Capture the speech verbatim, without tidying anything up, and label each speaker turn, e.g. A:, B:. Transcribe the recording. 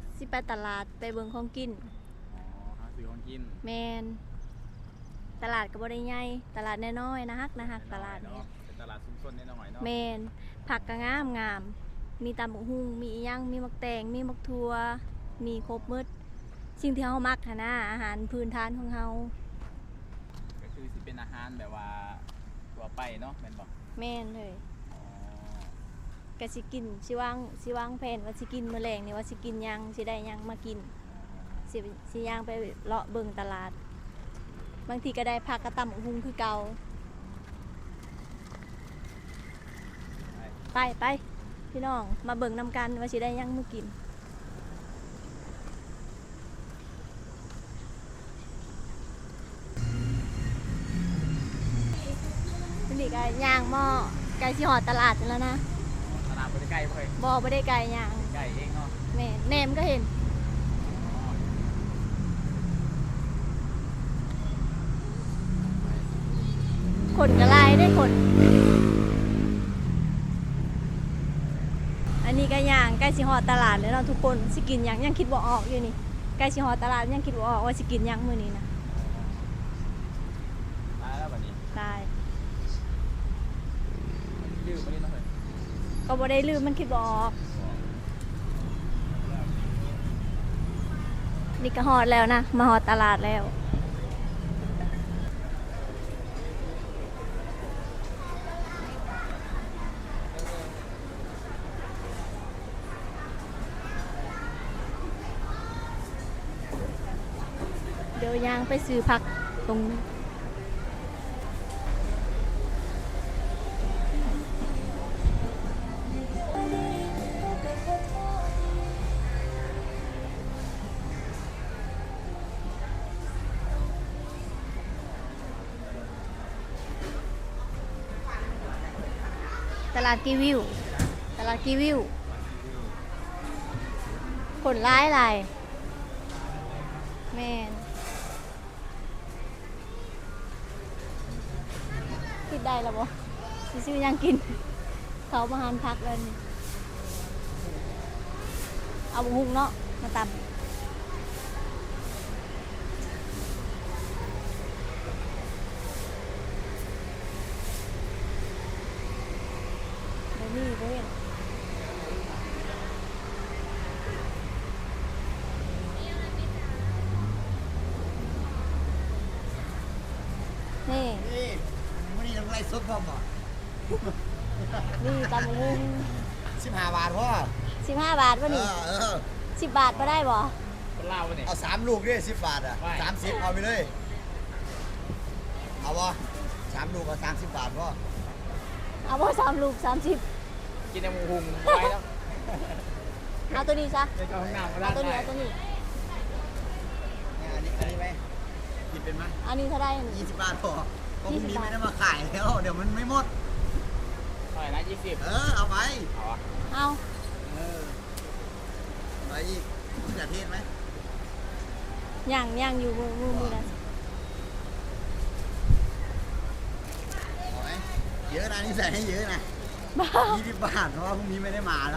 A: สิไปตลาดไปเบิ่งของกิน
B: อ๋อหาซื้อของกิน
A: แมนตลาดก็บ่ได้ใหญ่ตลาดน้อยๆนะฮักนะฮักตลาดนี้
B: เป็นตลาดชุมชนน้อยๆเนาะ
A: แมนผักก็งามงามมีตำบักหุ่งมีอีหยังมีมักแตงมีมักทั่วมีครบหมดสิ่งที่เฮามักหั่นนะอาหารพื้นฐานของเฮา
B: ก็คือสิเป็นอาหารแบบว่าทั่วไปเนาะแม่นบ่
A: แม่นเลยก็สิกินสิวางสิวางแผนว่าสิกินมื้อแลงนี่ว่าสิกินหยังสิได้หยังมากินสิสิย่างไปเลาะเบิ่งตลาดบางทีก็ได้ผักกระตำบักหุ่งคือเก่าไปไปพี่น้องมาเบิ่งนำกันว่าสิได้ยังมื้อกินนี่ก็ย่างหม้อไก่สิหอดตลาดแล้วนะ
B: ตลาดบ่ได้ใกล้บ่เคย
A: บ่บ่ได้ไก่ย่าง
B: ไก่เองเนาะ
A: แม่แหนมก็เห็นคนกระลายได้คนอันนี้ก็ย่างใกล้สิฮอดตลาดแล้วเนาะทุกคนสิกินหยังยังคิดบ่ออกอยู่นี่ใกล้สิฮอดตลาดยังคิดบ่ออกว่าสิกินหยังมื้อนี้นะ
B: ตายแล้วบัดนี้
A: ตาย
B: ลืมบ่ได้เนาะเฮ้ย
A: ก็บ่ได้ลืมมันคิดบ่ออกนี่ก็ฮอดแล้วนะมาฮอดตลาดแล้วเดี๋ยวยางไปซื้อผักตรงตลาดกีวิวตลาดกีวิวคนร้ายอะไรแม่นคิดได้แล้วบ่สิซื้อยังกินเขามาหารพักเลยเอาบุหุงเนาะมาตำเดี๋ยวนี้เว้ยนี่
C: นี่มันนี่ทำไรสดพร้อมบ่
A: นี่ตำบุ้ง
C: สิบห้าบาทพ่อ
A: สิบห้าบาทวะนี่สิบบาทก็ได้บ่
B: คนลาววะนี่
C: เอาสามลูกด้วยสิบบาทอ่ะสามสิบเอาไปเลยเอาบ่สามลูกเอาสามสิบบาทพ่อ
A: เอาบ่สามลูกสามสิบ
B: กินแต่หมูหุงไว้แล้ว
A: เอาตัวนี้ซะ
B: เดี๋ยวจะห้องน้ำก็ได้
A: เอาตัวนี้เอาตัวนี้
C: อันนี้อันนี้ไหมกินเป็นไหม
A: อันนี้เท่าไร
C: ยี่สิบบาทพอพรุ่งนี้ไม่ได้มาขายแล้วเดี๋ยวมันไม่หมด
B: เท่าไหร่นะยี่สิบ
C: เออเอาไป
B: เอา
A: เอา
C: เออไปอีกมะเขือเทศไหม
A: ย่างย่างอยู่มือมือมือนะ
C: เอาไหมเยอะนะนี่ใส่ให้เยอะนะยี่สิบบาทเพราะว่าพรุ่งนี้ไม่ได้มาแล้ว